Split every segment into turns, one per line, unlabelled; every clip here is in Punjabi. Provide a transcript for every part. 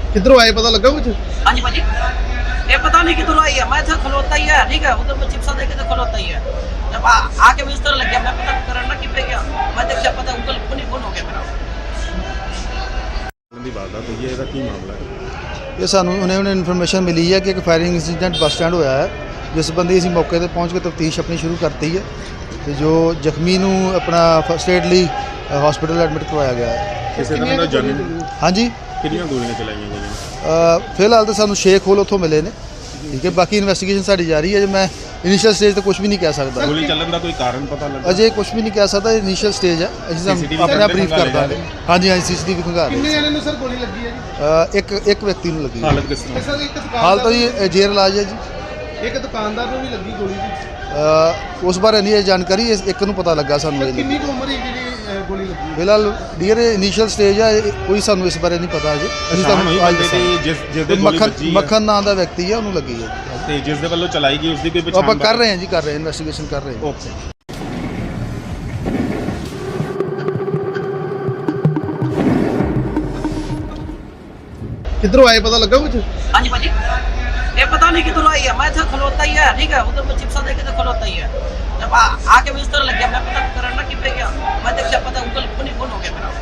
किधरों आए पता लगा कुछ?
हाँ जी भाजी, ये पता नहीं किधर आई है। मैं था खलोता ही है, ठीक है, उधर मैं चिप्सा देखे तो खलोता ही है। जब आके मैं इस तरह लग गया, मैं पता करना कि पे गया, मैं देखा पता गूगल फोन ही फोन हो गया मेरा।
ਦੀ ਵਾਰਦਾਤ ਹੋਈ ਹੈ, ਇਹਦਾ ਕੀ ਮਾਮਲਾ ਹੈ?
ਇਹ ਸਾਨੂੰ ਉਹਨੇ ਇਨਫੋਰਮੇਸ਼ਨ ਮਿਲੀ ਹੈ ਕਿ ਇੱਕ ਫਾਇਰਿੰਗ ਇੰਸੀਡੈਂਟ ਬੱਸ ਸਟੈਂਡ ਹੋਇਆ ਹੈ, ਜਿਸ ਸੰਬੰਧੀ ਅਸੀਂ ਮੌਕੇ ਤੇ ਪਹੁੰਚ ਕੇ ਤਫਤੀਸ਼ ਆਪਣੀ ਸ਼ੁਰੂ ਕਰਤੀ ਹੈ ਤੇ ਜੋ ਜ਼ਖਮੀ ਨੂੰ ਆਪਣਾ ਫਸਟ ਏਡ ਲਈ ਹਸਪੀਟਲ ਐਡਮਿਟ ਕਰਵਾਇਆ ਗਿਆ ਹੈ।
ਕਿਸੇ ਤਰ੍ਹਾਂ ਦਾ ਜਾਨੀ
ਹਾਂਜੀ,
ਕਿੰਨੀਆਂ ਗੋਲੀਆਂ ਚਲਾਈਆਂ ਗਈਆਂ?
ਫਿਲਹਾਲ ਤਾਂ ਸਾਨੂੰ ਸ਼ੇਖ ਹੋਲ ਉੱਥੋਂ ਮਿਲੇ ਨੇ, ਠੀਕ ਹੈ, ਬਾਕੀ ਇਨਵੈਸਟੀਗੇਸ਼ਨ ਸਾਡੀ ਜਾਰੀ ਹੈ। ਜੇ ਮੈਂ ਇਨੀਸ਼ੀਅਲ ਸਟੇਜ ਤੇ ਕੁਝ ਵੀ ਨਹੀਂ ਕਹਿ ਸਕਦਾ,
ਗੋਲੀ ਚੱਲਣ ਦਾ ਕੋਈ ਕਾਰਨ ਪਤਾ ਲੱਗਾ?
ਅਜੇ ਕੁਝ ਵੀ ਨਹੀਂ ਕਹਿ ਸਕਦਾ, ਇਨੀਸ਼ੀਅਲ ਸਟੇਜ ਹੈ, ਅਸੀਂ
CCTV
ਆਪਣਾ ਬਰੀਫ
ਖੰਗਾਲ
ਕਰ ਦਾਂਗੇ। ਹਾਂਜੀ ਹਾਂਜੀ, ਸੀਸੀਟੀਵੀ ਖੰਗਾ ਰਹੇ।
ਕਿੰਨੇ ਜਣੇ ਨੂੰ ਸਰ ਗੋਲੀ ਲੱਗੀ ਹੈ ਜੀ?
ਇੱਕ ਵਿਅਕਤੀ ਨੂੰ ਲੱਗੀ ਹੈ।
ਹਾਲਤ ਕਿਸ ਤਰ੍ਹਾਂ?
ਸਰ ਇੱਕ
ਹਾਲ ਤਾਂ
ਦੁਕਾਨਦਾਰ
ਜੀ ਜੇਰ ਇਲਾਜ ਹੈ ਜੀ।
ਇੱਕ ਦੁਕਾਨਦਾਰ ਨੂੰ ਵੀ ਲੱਗੀ ਗੋਲੀ ਜੀ।
ਉਸ ਬਾਰੇ ਨਹੀਂ ਇਹ ਜਾਣਕਾਰੀ, ਇੱਕ ਨੂੰ ਪਤਾ ਲੱਗਾ ਸਾਨੂੰ ਇਹ।
ਕਿੰਨੀ ਕੁ ਉਮਰ ਹੈ ਜਿਹੜੀ ਗੋਲੀ ਲੱਗੀ?
ਫਿਲਹਾਲ ਡੀਅਰ ਇਨੀਸ਼ੀਅਲ ਸਟੇਜ ਹੈ, ਕੋਈ ਸਾਨੂੰ ਇਸ ਬਾਰੇ ਨਹੀਂ ਪਤਾ ਅਜੇ। ਅਸੀਂ ਤੁਹਾਨੂੰ ਅੱਜ ਦੱਸਾਂਗੇ।
ਜਿਸ ਦੇ ਗੋਲੀ ਵੱਜੀ ਹੈ
ਮੱਖਣ ਨਾਂ ਦਾ ਵਿਅਕਤੀ ਹੈ, ਉਹਨੂੰ ਲੱਗੀ ਹੈ
ਤੇ ਜਿਸ ਦੇ ਵੱਲੋਂ ਚਲਾਈ ਗਈ ਉਸ ਦੀ ਕੋਈ
ਆਪਾਂ
ਪਛਾਣ?
ਕਰ ਰਹੇ ਹਾਂ ਜੀ, ਕਰ ਰਹੇ ਹਾਂ, ਇਨਵੈਸਟੀਗੇਸ਼ਨ ਕਰ ਰਹੇ ਹਾਂ।
ਓਕੇ।
किधरों आए पता लगा कुछ?
हाँ जी भाजी, ये पता नहीं किधर आई है। मैं था खलोता ही है, ठीक है, उधर मैं चिप्सा देखे तो खलोता ही है। जब आके मैं इस तरह लग गया, मैं पता करना कि पे गया, मैं देखा पता गूगल फोन ही फोन हो गया मेरा।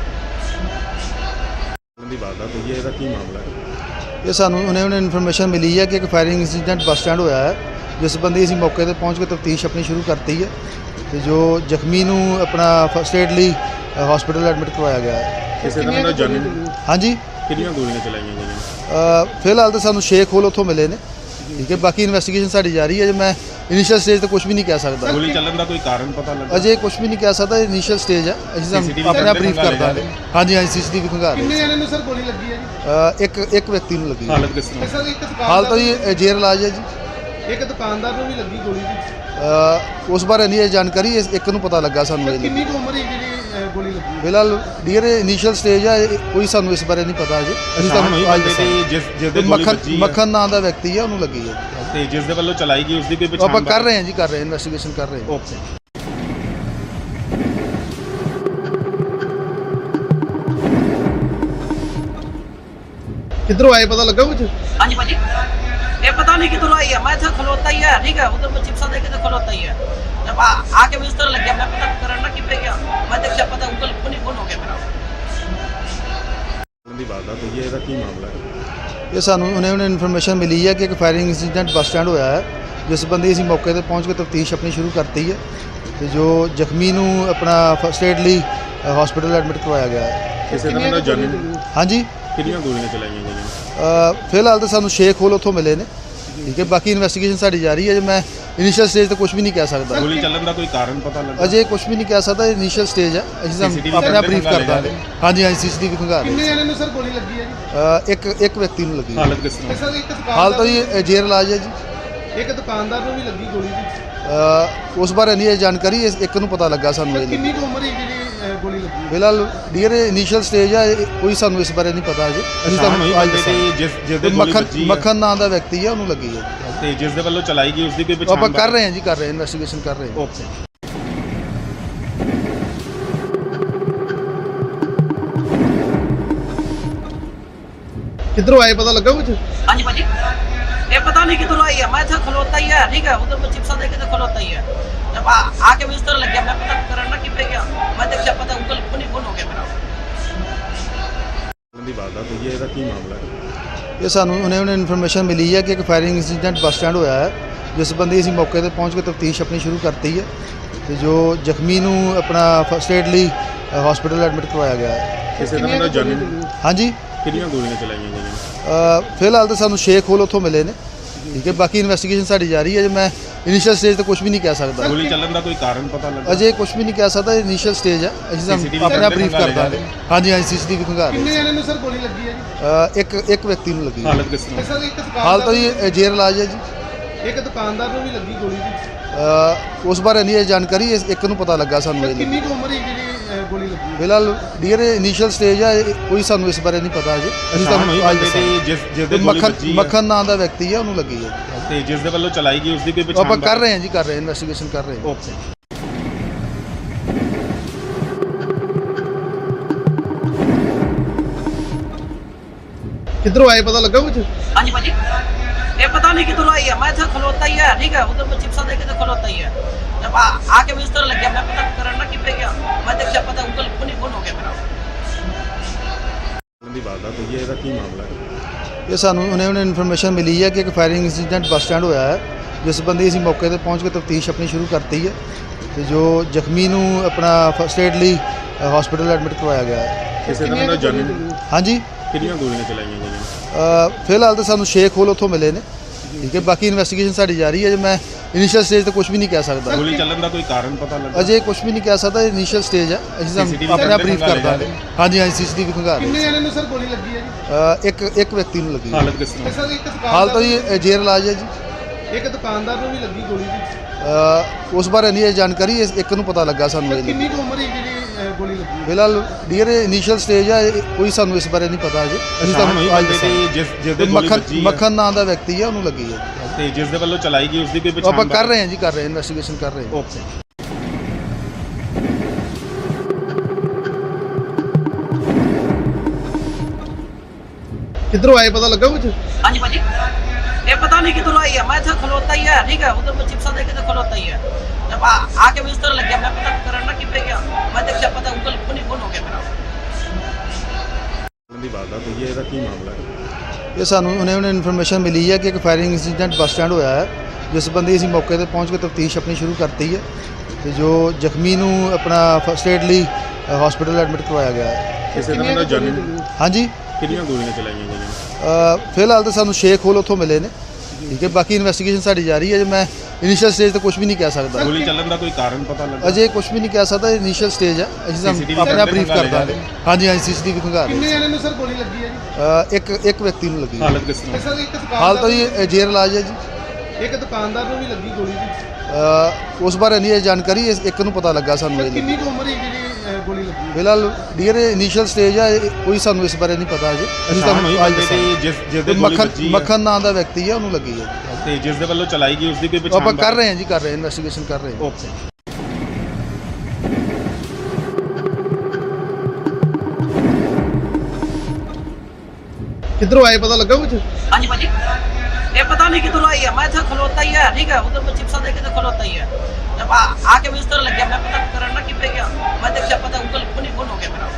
ਦੀ ਵਾਰਦਾਤ ਹੋਈ ਹੈ, ਇਹਦਾ ਕੀ ਮਾਮਲਾ ਹੈ?
ਇਹ ਸਾਨੂੰ ਉਹਨੇ ਇਨਫੋਰਮੇਸ਼ਨ ਮਿਲੀ ਹੈ ਕਿ ਇੱਕ ਫਾਇਰਿੰਗ ਇੰਸੀਡੈਂਟ ਬੱਸ ਸਟੈਂਡ ਹੋਇਆ ਹੈ, ਜਿਸ ਸੰਬੰਧੀ ਅਸੀਂ ਮੌਕੇ ਤੇ ਪਹੁੰਚ ਕੇ ਤਫਤੀਸ਼ ਆਪਣੀ ਸ਼ੁਰੂ ਕਰਤੀ ਹੈ ਤੇ ਜੋ ਜ਼ਖਮੀ ਨੂੰ ਆਪਣਾ ਫਸਟ ਏਡ ਲਈ ਹਸਪੀਟਲ ਐਡਮਿਟ ਕਰਵਾਇਆ ਗਿਆ ਹੈ।
ਕਿਸੇ ਤਰ੍ਹਾਂ ਦਾ ਜਾਨੀ
ਹਾਂਜੀ,
ਕਿੰਨੀਆਂ ਗੋਲੀਆਂ ਚਲਾਈਆਂ ਗਈਆਂ?
ਫਿਲਹਾਲ ਤਾਂ ਸਾਨੂੰ ਸ਼ੇਖ ਹੋਲ ਉੱਥੋਂ ਮਿਲੇ ਨੇ, ਠੀਕ ਹੈ, ਬਾਕੀ ਇਨਵੈਸਟੀਗੇਸ਼ਨ ਸਾਡੀ ਜਾਰੀ ਹੈ। ਜੇ ਮੈਂ ਇਨੀਸ਼ੀਅਲ ਸਟੇਜ ਤੇ ਕੁਝ ਵੀ ਨਹੀਂ ਕਹਿ ਸਕਦਾ,
ਗੋਲੀ ਚੱਲਣ ਦਾ ਕੋਈ ਕਾਰਨ ਪਤਾ ਲੱਗਾ?
ਅਜੇ ਕੁਝ ਵੀ ਨਹੀਂ ਕਹਿ ਸਕਦਾ, ਇਨੀਸ਼ੀਅਲ ਸਟੇਜ ਹੈ, ਅਸੀਂ
CCTV
ਆਪਣਾ ਬਰੀਫ ਕਰ
ਖੰਗਾਲ
ਦਾਂਗੇ। ਹਾਂਜੀ ਹਾਂਜੀ, ਸੀਸੀਟੀਵੀ ਖੰਗਾ ਰਹੇ।
ਕਿੰਨੇ ਜਣੇ ਨੂੰ ਸਰ ਗੋਲੀ ਲੱਗੀ ਹੈ ਜੀ?
ਇੱਕ ਵਿਅਕਤੀ ਨੂੰ ਲੱਗੀ ਹੈ।
ਹਾਲਤ ਕਿਸ ਤਰ੍ਹਾਂ?
ਸਰ ਇੱਕ
ਹਾਲ ਤਾਂ
ਦੁਕਾਨਦਾਰ
ਜੀ ਜੇਰ ਇਲਾਜ ਹੈ ਜੀ।
ਇੱਕ ਦੁਕਾਨਦਾਰ ਨੂੰ ਵੀ ਲੱਗੀ ਗੋਲੀ ਜੀ।
ਉਸ ਬਾਰੇ ਨਹੀਂ ਇਹ ਜਾਣਕਾਰੀ, ਇੱਕ ਨੂੰ ਪਤਾ ਲੱਗਾ ਸਾਨੂੰ ਇਹ।
ਕਿੰਨੀ ਕੁ ਉਮਰ ਹੈ ਜਿਹੜੀ ਗੋਲੀ ਲੱਗੀ?
ਫਿਲਹਾਲ ਡੀਅਰ ਇਨੀਸ਼ੀਅਲ ਸਟੇਜ ਹੈ, ਕੋਈ ਸਾਨੂੰ ਇਸ ਬਾਰੇ ਨਹੀਂ ਪਤਾ ਅਜੇ। ਅਸੀਂ ਤੁਹਾਨੂੰ ਅੱਜ ਦੱਸਾਂਗੇ।
ਜਿਸ ਦੇ ਗੋਲੀ ਵੱਜੀ ਹੈ
ਮੱਖਣ ਨਾਂ ਦਾ ਵਿਅਕਤੀ ਹੈ, ਉਹਨੂੰ ਲੱਗੀ ਹੈ
ਤੇ ਜਿਸ ਦੇ ਵੱਲੋਂ ਚਲਾਈ ਗਈ ਉਸ ਦੀ ਕੋਈ ਪਛਾਣ?
ਆਪਾਂ ਕਰ ਰਹੇ ਹਾਂ ਜੀ, ਕਰ ਰਹੇ ਹਾਂ, ਇਨਵੈਸਟੀਗੇਸ਼ਨ ਕਰ ਰਹੇ ਹਾਂ।
ਓਕੇ।
किधरों आए पता लगा कुछ?
हाँ जी भाजी, ये पता नहीं किधर आई है। मैं था खलोता ही है, ठीक है, उधर मैं चिप्सा देखे तो खलोता ही है। जब आके मैं इस तरह लग गया, मैं पता करना कि पे गया, मैं देखा पता गूगल फोन ही फोन हो गया मेरा।
ਦੀ ਵਾਰਦਾਤ ਹੋਈ ਹੈ, ਇਹਦਾ ਕੀ ਮਾਮਲਾ ਹੈ?
ਇਹ ਸਾਨੂੰ ਉਹਨੇ ਇਨਫੋਰਮੇਸ਼ਨ ਮਿਲੀ ਹੈ ਕਿ ਇੱਕ ਫਾਇਰਿੰਗ ਇੰਸੀਡੈਂਟ ਬੱਸ ਸਟੈਂਡ ਹੋਇਆ ਹੈ, ਜਿਸ ਸੰਬੰਧੀ ਅਸੀਂ ਮੌਕੇ ਤੇ ਪਹੁੰਚ ਕੇ ਤਫਤੀਸ਼ ਆਪਣੀ ਸ਼ੁਰੂ ਕਰਤੀ ਹੈ ਤੇ ਜੋ ਜ਼ਖਮੀ ਨੂੰ ਆਪਣਾ ਫਸਟ ਏਡ ਲਈ ਹਸਪੀਟਲ ਐਡਮਿਟ ਕਰਵਾਇਆ ਗਿਆ ਹੈ।
ਕਿਸੇ ਤਰ੍ਹਾਂ ਦਾ ਜਾਨੀ
ਹਾਂਜੀ,
ਕਿੰਨੀਆਂ ਗੋਲੀਆਂ ਚਲਾਈਆਂ ਗਈਆਂ?
ਫਿਲਹਾਲ ਤਾਂ ਸਾਨੂੰ ਸ਼ੇਖ ਹੋਲ ਉੱਥੋਂ ਮਿਲੇ ਨੇ, ਠੀਕ ਹੈ, ਬਾਕੀ ਇਨਵੈਸਟੀਗੇਸ਼ਨ ਸਾਡੀ ਜਾਰੀ ਹੈ। ਜੇ ਮੈਂ ਇਨੀਸ਼ੀਅਲ ਸਟੇਜ ਤੇ ਕੁਝ ਵੀ ਨਹੀਂ ਕਹਿ ਸਕਦਾ,
ਗੋਲੀ ਚੱਲਣ ਦਾ ਕੋਈ ਕਾਰਨ ਪਤਾ ਲੱਗਾ?
ਅਜੇ ਕੁਝ ਵੀ ਨਹੀਂ ਕਹਿ ਸਕਦਾ, ਇਨੀਸ਼ੀਅਲ ਸਟੇਜ ਹੈ, ਅਸੀਂ
CCTV
ਆਪਣਾ ਬਰੀਫ ਕਰ
ਖੰਗਾਲ
ਦਾਂਗੇ। ਹਾਂਜੀ ਹਾਂਜੀ, ਸੀਸੀਟੀਵੀ ਖੰਗਾ ਰਹੇ।
ਕਿੰਨੇ ਜਣੇ ਨੂੰ ਸਰ ਗੋਲੀ ਲੱਗੀ ਹੈ ਜੀ?
ਇੱਕ ਵਿਅਕਤੀ ਨੂੰ ਲੱਗੀ ਹੈ।
ਹਾਲਤ ਕਿਸ ਤਰ੍ਹਾਂ?
ਸਰ ਇੱਕ
ਹਾਲ ਤਾਂ
ਦੁਕਾਨਦਾਰ
ਜੀ ਜੇਰ ਇਲਾਜ ਹੈ ਜੀ।
ਇੱਕ ਦੁਕਾਨਦਾਰ ਨੂੰ ਵੀ ਲੱਗੀ ਗੋਲੀ ਜੀ।
ਉਸ ਬਾਰੇ ਨਹੀਂ ਇਹ ਜਾਣਕਾਰੀ, ਇੱਕ ਨੂੰ ਪਤਾ ਲੱਗਾ ਸਾਨੂੰ ਇਹ।
ਕਿੰਨੀ ਕੁ ਉਮਰ ਹੈ ਜਿਹੜੀ ਗੋਲੀ ਲੱਗੀ?
ਫਿਲਹਾਲ ਡੀਅਰ ਇਨੀਸ਼ੀਅਲ ਸਟੇਜ ਹੈ, ਕੋਈ ਸਾਨੂੰ ਇਸ ਬਾਰੇ ਨਹੀਂ ਪਤਾ ਅਜੇ। ਅਸੀਂ ਤੁਹਾਨੂੰ ਅੱਜ ਦੱਸਾਂਗੇ।
ਜਿਸ ਦੇ ਗੋਲੀ ਵੱਜੀ ਹੈ
ਮੱਖਣ ਨਾਂ ਦਾ ਵਿਅਕਤੀ ਹੈ, ਉਹਨੂੰ ਲੱਗੀ ਹੈ
ਤੇ ਜਿਸ ਦੇ ਵੱਲੋਂ ਚਲਾਈ ਗਈ ਉਸ ਦੀ ਕੋਈ ਪਛਾਣ?
ਆਪਾਂ ਕਰ ਰਹੇ ਹਾਂ ਜੀ, ਕਰ ਰਹੇ ਹਾਂ, ਇਨਵੈਸਟੀਗੇਸ਼ਨ ਕਰ ਰਹੇ ਹਾਂ।
ਓਕੇ।
किधरों आए पता लगा कुछ?
हाँ जी भाजी, ये पता नहीं किधर आई है। मैं था खलोता ही है, ठीक है, उधर मैं चिप्सा देखे तो खलोता ही है। जब आके मैं इस तरह लग गया, मैं पता करना कि पे गया, मैं देखा पता गूगल फोन ही फोन हो गया मेरा।
ਦੀ ਵਾਰਦਾਤ ਹੋਈ ਹੈ, ਇਹਦਾ ਕੀ ਮਾਮਲਾ ਹੈ?
ਇਹ ਸਾਨੂੰ ਉਹਨੇ ਇਨਫੋਰਮੇਸ਼ਨ ਮਿਲੀ ਹੈ ਕਿ ਇੱਕ ਫਾਇਰਿੰਗ ਇੰਸੀਡੈਂਟ ਬੱਸ ਸਟੈਂਡ ਹੋਇਆ ਹੈ, ਜਿਸ ਸੰਬੰਧੀ ਅਸੀਂ ਮੌਕੇ ਤੇ ਪਹੁੰਚ ਕੇ ਤਫਤੀਸ਼ ਆਪਣੀ ਸ਼ੁਰੂ ਕਰਤੀ ਹੈ ਤੇ ਜੋ ਜ਼ਖਮੀ ਨੂੰ ਆਪਣਾ ਫਸਟ ਏਡ ਲਈ ਹਸਪੀਟਲ ਐਡਮਿਟ ਕਰਵਾਇਆ ਗਿਆ ਹੈ।
ਕਿਸੇ ਤਰ੍ਹਾਂ ਦਾ ਜਾਨੀ
ਹਾਂਜੀ,
ਕਿੰਨੀਆਂ ਗੋਲੀਆਂ ਚਲਾਈਆਂ ਗਈਆਂ?
ਫਿਲਹਾਲ ਤਾਂ ਸਾਨੂੰ ਸ਼ੇਖ ਹੋਲ ਉੱਥੋਂ ਮਿਲੇ ਨੇ, ਠੀਕ ਹੈ, ਬਾਕੀ ਇਨਵੈਸਟੀਗੇਸ਼ਨ ਸਾਡੀ ਜਾਰੀ ਹੈ। ਜੇ ਮੈਂ ਇਨੀਸ਼ੀਅਲ ਸਟੇਜ ਤੇ ਕੁਝ ਵੀ ਨਹੀਂ ਕਹਿ ਸਕਦਾ,
ਗੋਲੀ ਚੱਲਣ ਦਾ ਕੋਈ ਕਾਰਨ ਪਤਾ ਲੱਗਾ?
ਅਜੇ ਕੁਝ ਵੀ ਨਹੀਂ ਕਹਿ ਸਕਦਾ, ਇਨੀਸ਼ੀਅਲ ਸਟੇਜ ਹੈ, ਅਸੀਂ
CCTV
ਆਪਣਾ ਬਰੀਫ ਕਰ
ਖੰਗਾਲ
ਦਾਂਗੇ। ਹਾਂਜੀ ਹਾਂਜੀ, ਸੀਸੀਟੀਵੀ ਖੰਗਾ ਰਹੇ।
ਕਿੰਨੇ ਜਣੇ ਨੂੰ ਸਰ ਗੋਲੀ ਲੱਗੀ ਹੈ ਜੀ?
ਇੱਕ ਵਿਅਕਤੀ ਨੂੰ ਲੱਗੀ ਹੈ।
ਹਾਲਤ ਕਿਸ ਤਰ੍ਹਾਂ?
ਸਰ ਇੱਕ
ਹਾਲ ਤਾਂ
ਦੁਕਾਨਦਾਰ
ਜੀ ਜੇਰ ਇਲਾਜ ਹੈ ਜੀ।
ਇੱਕ ਦੁਕਾਨਦਾਰ ਨੂੰ ਵੀ ਲੱਗੀ ਗੋਲੀ ਜੀ।
ਉਸ ਬਾਰੇ ਨਹੀਂ ਇਹ ਜਾਣਕਾਰੀ, ਇੱਕ ਨੂੰ ਪਤਾ ਲੱਗਾ ਸਾਨੂੰ ਇਹ।
ਕਿੰਨੀ ਕੁ ਉਮਰ ਹੈ ਜਿਹੜੀ ਗੋਲੀ ਲੱਗੀ?
ਫਿਲਹਾਲ ਡੀਅਰ ਇਨੀਸ਼ੀਅਲ ਸਟੇਜ ਹੈ, ਕੋਈ ਸਾਨੂੰ ਇਸ ਬਾਰੇ ਨਹੀਂ ਪਤਾ ਅਜੇ। ਅਸੀਂ ਤੁਹਾਨੂੰ ਅੱਜ ਦੱਸਾਂਗੇ।
ਜਿਸ ਦੇ ਗੋਲੀ ਵੱਜੀ ਹੈ
ਮੱਖਣ ਨਾਂ ਦਾ ਵਿਅਕਤੀ ਹੈ, ਉਹਨੂੰ ਲੱਗੀ ਹੈ
ਤੇ ਜਿਸ ਦੇ ਵੱਲੋਂ ਚਲਾਈ ਗਈ ਉਸ ਦੀ ਕੋਈ ਪਛਾਣ?
ਆਪਾਂ ਕਰ ਰਹੇ ਹਾਂ ਜੀ, ਕਰ ਰਹੇ ਹਾਂ, ਇਨਵੈਸਟੀਗੇਸ਼ਨ ਕਰ ਰਹੇ ਹਾਂ।
ਓਕੇ।
किधरों आए पता लगा कुछ?
हाँ जी भाजी, ये पता नहीं किधर आई है, मैं था खलोता ही है, ठीक है, उधर मैं चिप्सा देखे तो खलोता ही है। जब आके मुझे इस तरह लग गया, मैं पता करना कि पे गया, मैं देखा पता गूगल फोन ही फोन हो गया मेरा।
ਦੀ ਵਾਰਦਾਤ ਹੋਈ ਹੈ, ਇਹਦਾ ਕੀ ਮਾਮਲਾ ਹੈ?
ਇਹ ਸਾਨੂੰ ਉਹਨੇ ਇਨਫੋਰਮੇਸ਼ਨ ਮਿਲੀ ਹੈ ਕਿ ਇੱਕ ਫਾਇਰਿੰਗ ਇੰਸੀਡੈਂਟ ਬੱਸ ਸਟੈਂਡ ਹੋਇਆ ਹੈ, ਜਿਸ ਬੰਦੇ ਅਸੀਂ ਮੌਕੇ ਤੇ ਪਹੁੰਚ ਕੇ ਤਫਤੀਸ਼ ਆਪਣੀ ਸ਼ੁਰੂ ਕਰਤੀ ਹੈ ਤੇ ਜੋ ਜ਼ਖਮੀ ਨੂੰ ਆਪਣਾ ਫਸਟ ਏਡ ਲਈ ਹਸਪੀਟਲ ਐਡਮਿਟ ਕਰਵਾਇਆ ਗਿਆ ਹੈ।
ਕਿਸੇ ਤਰ੍ਹਾਂ ਦਾ ਜਾਨੀ
ਹਾਂਜੀ,
ਕਿੰਨੀਆਂ ਗੋਲੀਆਂ ਚਲਾਈਆਂ ਗਈਆਂ?
ਫਿਲਹਾਲ ਤਾਂ ਸਾਨੂੰ ਸ਼ੇਖ ਹੋਲ ਉੱਥੋਂ ਮਿਲੇ ਨੇ, ਠੀਕ ਹੈ, ਬਾਕੀ ਇਨਵੈਸਟੀਗੇਸ਼ਨ ਸਾਡੀ ਜਾਰੀ ਹੈ। ਜੇ ਮੈਂ ਇਨੀਸ਼ੀਅਲ ਸਟੇਜ ਤੇ ਕੁਝ ਵੀ ਨਹੀਂ ਕਹਿ ਸਕਦਾ,
ਗੋਲੀ ਚੱਲਣ ਦਾ ਕੋਈ ਕਾਰਨ ਪਤਾ ਲੱਗਾ?
ਅਜੇ ਕੁਝ ਵੀ ਨਹੀਂ ਕਹਿ ਸਕਦਾ, ਇਨੀਸ਼ੀਅਲ ਸਟੇਜ ਹੈ, ਅਸੀਂ
CCTV
ਤੁਹਾਨੂੰ ਆਪਣਾ ਬਰੀਫ ਕਰ
ਖੰਗਾਲ
ਦਾਂਗੇ। ਹਾਂਜੀ ਹਾਂਜੀ, ਸੀਸੀਟੀਵੀ ਖੰਗਾਲ
किन्ने
ਰਹੇ
जने ने सर गोली लगी है जी?
ਇੱਕ ਵਿਅਕਤੀ ਨੂੰ ਲੱਗੀ ਹੈ।
ਹਾਲਤ ਕਿਸ ਤਰ੍ਹਾਂ?
सर एक
ਹਾਲ ਤਾਂ
दुकानदार
ਜੀ ਜੇਰ ਇਲਾਜ ਹੈ ਜੀ।
एक दुकानदार ਨੂੰ ਵੀ ਲੱਗੀ ਗੋਲੀ ਜੀ।
ਉਸ ਬਾਰੇ ਨਹੀਂ ਇਹ ਜਾਣਕਾਰੀ, ਇੱਕ ਨੂੰ ਪਤਾ ਲੱਗਾ ਸਾਨੂੰ
ਸਰ
ਇਹ
ਕਿੰਨੀ ਕੁ ਉਮਰ ਹੈ ਜਿਹੜੀ ਗੋਲੀ ਲੱਗੀ?
ਫਿਲਹਾਲ ਡੀਅਰ ਇਨੀਸ਼ੀਅਲ ਸਟੇਜ ਹੈ, ਕੋਈ ਸਾਨੂੰ ਇਸ ਬਾਰੇ ਨਹੀਂ ਪਤਾ ਅਜੇ। ਅਸੀਂ
ਸ਼ਾਮ ਹੋਈ
ਤੁਹਾਨੂੰ ਅੱਜ
ਬੰਦੇ
ਦੱਸਾਂਗੇ।
ਦੀ ਜਿਸ ਦੇ ਗੋਲੀ ਵੱਜੀ ਹੈ
ਮੱਖਣ ਨਾਂ ਦਾ ਵਿਅਕਤੀ ਹੈ, ਉਹਨੂੰ ਲੱਗੀ ਹੈ।
ਤੇ ਜਿਸ ਦੇ ਵੱਲੋਂ ਚਲਾਈ ਗਈ ਉਸ ਦੀ ਕੋਈ ਪਛਾਣ?
ਆਪਾਂ ਕਰ ਰਹੇ ਹਾਂ ਜੀ, ਕਰ ਰਹੇ ਹਾਂ, ਇਨਵੈਸਟੀਗੇਸ਼ਨ ਕਰ ਰਹੇ ਹਾਂ।
ਓਕੇ।
ਕਿਧਰੋਂ ਆਏ ਪਤਾ ਲੱਗਾ ਕੁਝ?
हाँ जी भाजी, ये पता नहीं किधर आई है, मैं था खलोता ही है, ठीक है, उधर मैं चिप्सा देखे तो खलोता ही है। जब आके मुझे इस तरह लग गया, मैं पता करना कि पे गया, मैं देखा पता गूगल फोन ही फोन हो गया मेरा।
ਦੀ ਵਾਰਦਾਤ ਹੋਈ ਹੈ, ਇਹਦਾ ਕੀ ਮਾਮਲਾ ਹੈ?
ਇਹ ਸਾਨੂੰ ਉਹਨੇ ਇਨਫੋਰਮੇਸ਼ਨ ਮਿਲੀ ਹੈ ਕਿ ਇੱਕ ਫਾਇਰਿੰਗ ਇੰਸੀਡੈਂਟ ਬੱਸ ਸਟੈਂਡ ਹੋਇਆ ਹੈ, ਜਿਸ ਬੰਦੇ ਅਸੀਂ ਮੌਕੇ ਤੇ ਪਹੁੰਚ ਕੇ ਤਫਤੀਸ਼ ਆਪਣੀ ਸ਼ੁਰੂ ਕਰਤੀ ਹੈ ਤੇ ਜੋ ਜ਼ਖਮੀ ਨੂੰ ਆਪਣਾ ਫਸਟ ਏਡ ਲਈ ਹਸਪੀਟਲ ਐਡਮਿਟ ਕਰਵਾਇਆ ਗਿਆ ਹੈ।
ਕਿਸੇ ਤਰ੍ਹਾਂ ਦਾ ਜਾਨੀ
ਹਾਂਜੀ,
ਕਿੰਨੀਆਂ ਗੋਲੀਆਂ ਚਲਾਈਆਂ ਗਈਆਂ?
ਫਿਲਹਾਲ ਤਾਂ ਸਾਨੂੰ ਸ਼ੇਖ ਹੋਲ ਉੱਥੋਂ ਮਿਲੇ ਨੇ, ਠੀਕ ਹੈ, ਬਾਕੀ ਇਨਵੈਸਟੀਗੇਸ਼ਨ ਸਾਡੀ ਜਾਰੀ ਹੈ। ਜੇ ਮੈਂ ਇਨੀਸ਼ੀਅਲ ਸਟੇਜ ਤੇ ਕੁਝ ਵੀ ਨਹੀਂ ਕਹਿ ਸਕਦਾ,
ਗੋਲੀ ਚੱਲਣ ਦਾ ਕੋਈ ਕਾਰਨ ਪਤਾ ਲੱਗਾ?
ਅਜੇ ਕੁਝ ਵੀ ਨਹੀਂ ਕਹਿ ਸਕਦਾ, ਇਨੀਸ਼ੀਅਲ ਸਟੇਜ ਹੈ, ਅਸੀਂ
CCTV
ਤੁਹਾਨੂੰ ਆਪਣਾ ਬਰੀਫ ਕਰ
ਖੰਗਾਲ
ਦਾਂਗੇ। ਹਾਂਜੀ ਹਾਂਜੀ, ਸੀਸੀਟੀਵੀ ਖੰਗਾਲ
ਕਿੰਨੇ
ਰਹੇ
ਜਣੇ ਨੂੰ ਸਰ ਗੋਲੀ ਲੱਗੀ ਹੈ ਜੀ?
ਇੱਕ ਵਿਅਕਤੀ ਨੂੰ ਲੱਗੀ ਹੈ।
ਹਾਲਤ ਕਿਸ ਤਰ੍ਹਾਂ?
ਸਰ ਇੱਕ
ਹਾਲ ਤਾਂ
ਦੁਕਾਨਦਾਰ
ਜੀ ਜੇਰ ਇਲਾਜ ਹੈ ਜੀ।
ਇੱਕ ਦੁਕਾਨਦਾਰ ਨੂੰ ਵੀ ਲੱਗੀ ਗੋਲੀ ਜੀ।
ਉਸ ਬਾਰੇ ਨਹੀਂ ਇਹ ਜਾਣਕਾਰੀ, ਇੱਕ ਨੂੰ ਪਤਾ ਲੱਗਾ ਸਾਨੂੰ
ਸਰ
ਇਹ।
ਕਿੰਨੀ ਕੁ ਉਮਰ ਹੈ ਜਿਹੜੀ ਗੋਲੀ ਲੱਗੀ?
ਫਿਲਹਾਲ ਡੀਅਰ ਇਨੀਸ਼ੀਅਲ ਸਟੇਜ ਹੈ, ਕੋਈ ਸਾਨੂੰ ਇਸ ਬਾਰੇ ਨਹੀਂ ਪਤਾ ਅਜੇ। ਅਸੀਂ
ਸ਼ਾਮ ਹੋਈ
ਤੁਹਾਨੂੰ ਅੱਜ
ਬੰਦੇ
ਦੱਸਾਂਗੇ।
ਦੀ ਜਿਸ ਦੇ ਗੋਲੀ ਵੱਜੀ ਹੈ
ਮੱਖਣ ਨਾਂ ਦਾ ਵਿਅਕਤੀ ਹੈ, ਉਹਨੂੰ ਲੱਗੀ ਹੈ।
ਤੇ ਜਿਸ ਦੇ ਵੱਲੋਂ ਚਲਾਈ ਗਈ ਉਸ ਦੀ ਕੋਈ ਪਛਾਣ?
ਆਪਾਂ ਕਰ ਰਹੇ ਹਾਂ ਜੀ, ਕਰ ਰਹੇ ਹਾਂ, ਇਨਵੈਸਟੀਗੇਸ਼ਨ ਕਰ ਰਹੇ ਹਾਂ।
ਓਕੇ।
ਕਿਧਰੋਂ ਆਏ ਪਤਾ ਲੱਗਾ ਕੁਝ?
हाँ जी भाजी, ये पता नहीं किधर आई है, मैं था खलोता ही है, ठीक है, उधर मैं चिप्सा देखे तो खलोता ही है। जब आके मुझे इस तरह लग गया, मैं पता करना कि पे गया, मैं देखा पता गूगल फोन ही फोन हो गया मेरा।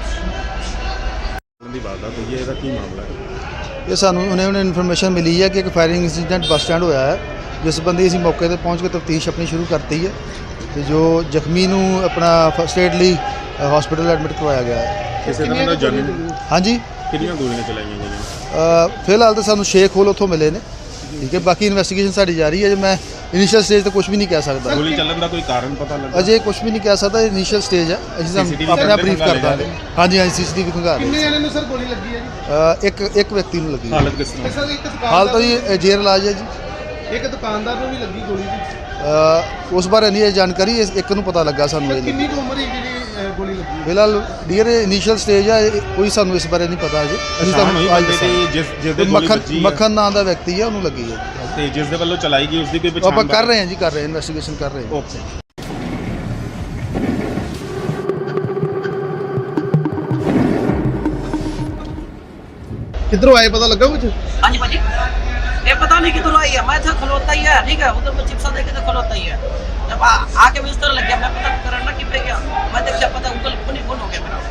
ਦੀ ਵਾਰਦਾਤ ਹੋਈ ਹੈ, ਇਹਦਾ ਕੀ ਮਾਮਲਾ ਹੈ?
ਇਹ ਸਾਨੂੰ ਉਹਨੇ ਇਨਫੋਰਮੇਸ਼ਨ ਮਿਲੀ ਹੈ ਕਿ ਇੱਕ ਫਾਇਰਿੰਗ ਇੰਸੀਡੈਂਟ ਬੱਸ ਸਟੈਂਡ ਹੋਇਆ ਹੈ, ਜਿਸ ਬੰਦੇ ਅਸੀਂ ਮੌਕੇ ਤੇ ਪਹੁੰਚ ਕੇ ਤਫਤੀਸ਼ ਆਪਣੀ ਸ਼ੁਰੂ ਕਰਤੀ ਹੈ ਤੇ ਜੋ ਜ਼ਖਮੀ ਨੂੰ ਆਪਣਾ ਫਸਟ ਏਡ ਲਈ ਹਸਪੀਟਲ ਐਡਮਿਟ ਕਰਵਾਇਆ ਗਿਆ ਹੈ।
ਕਿਸੇ ਤਰ੍ਹਾਂ ਦਾ ਜਾਨੀ
ਹਾਂਜੀ,
ਕਿੰਨੀਆਂ ਗੋਲੀਆਂ ਚਲਾਈਆਂ ਗਈਆਂ?
ਫਿਲਹਾਲ ਤਾਂ ਸਾਨੂੰ ਸ਼ੇਖ ਹੋਲ ਉੱਥੋਂ ਮਿਲੇ ਨੇ, ਠੀਕ ਹੈ, ਬਾਕੀ ਇਨਵੈਸਟੀਗੇਸ਼ਨ ਸਾਡੀ ਜਾਰੀ ਹੈ। ਜੇ ਮੈਂ ਇਨੀਸ਼ੀਅਲ ਸਟੇਜ ਤੇ ਕੁਝ ਵੀ ਨਹੀਂ ਕਹਿ ਸਕਦਾ,
ਗੋਲੀ ਚੱਲਣ ਦਾ ਕੋਈ ਕਾਰਨ ਪਤਾ ਲੱਗਾ?
ਅਜੇ ਕੁਝ ਵੀ ਨਹੀਂ ਕਹਿ ਸਕਦਾ, ਇਨੀਸ਼ੀਅਲ ਸਟੇਜ ਹੈ, ਅਸੀਂ
CCTV
ਤੁਹਾਨੂੰ ਆਪਣਾ ਬਰੀਫ ਕਰ
ਖੰਗਾਲ
ਦਾਂਗੇ। ਹਾਂਜੀ ਹਾਂਜੀ, ਸੀਸੀਟੀਵੀ ਖੰਗਾਲ ਰਹੇ
ਕਿੰਨੇ ਜਣੇ ਨੂੰ ਸਰ ਗੋਲੀ ਲੱਗੀ ਹੈ ਜੀ?
ਇੱਕ ਵਿਅਕਤੀ ਨੂੰ ਲੱਗੀ ਹੈ।
ਹਾਲਤ ਕਿਸ ਤਰ੍ਹਾਂ?
ਸਰ ਇੱਕ
ਹਾਲ ਤਾਂ
ਦੁਕਾਨਦਾਰ
ਜੀ ਜੇਰ ਇਲਾਜ ਹੈ ਜੀ।
ਇੱਕ ਦੁਕਾਨਦਾਰ ਨੂੰ ਵੀ ਲੱਗੀ ਗੋਲੀ ਜੀ।
ਉਸ ਬਾਰੇ ਨਹੀਂ ਇਹ ਜਾਣਕਾਰੀ, ਇੱਕ ਨੂੰ ਪਤਾ ਲੱਗਾ ਸਾਨੂੰ
ਸਰ
ਇਹ।
ਕਿੰਨੀ ਕੁ ਉਮਰ ਹੈ ਜਿਹੜੀ ਗੋਲੀ ਲੱਗੀ?
ਫਿਲਹਾਲ ਡੀਅਰ ਇਨੀਸ਼ੀਅਲ ਸਟੇਜ ਹੈ, ਕੋਈ ਸਾਨੂੰ ਇਸ ਬਾਰੇ ਨਹੀਂ ਪਤਾ ਅਜੇ। ਅਸੀਂ
ਸ਼ਾਮ ਹੋਈ
ਤੁਹਾਨੂੰ ਅੱਜ
ਬੰਦੇ
ਦੱਸਾਂਗੇ।
ਦੀ ਜਿਸ ਦੇ ਗੋਲੀ ਵੱਜੀ ਹੈ
ਮੱਖਣ ਨਾਂ ਦਾ ਵਿਅਕਤੀ ਹੈ, ਉਹਨੂੰ ਲੱਗੀ ਹੈ।
ਤੇ ਜਿਸ ਦੇ ਵੱਲੋਂ ਚਲਾਈ ਗਈ ਉਸ ਦੀ ਕੋਈ ਪਛਾਣ?
ਆਪਾਂ ਕਰ ਰਹੇ ਹਾਂ ਜੀ, ਕਰ ਰਹੇ ਹਾਂ, ਇਨਵੈਸਟੀਗੇਸ਼ਨ ਕਰ ਰਹੇ ਹਾਂ।
ਓਕੇ।
ਕਿਧਰੋਂ ਆਏ ਪਤਾ ਲੱਗਾ ਕੁਝ?
हाँ जी भाजी, ये पता नहीं किधर आई है, मैं था खलोता ही है, ठीक है, उधर मैं चिप्सा देखे तो खलोता ही है। जब आके मुझे इस तरह लग गया, मैं पता करना कि पे गया, मैं देखा पता गूगल फोन ही फोन हो गया मेरा।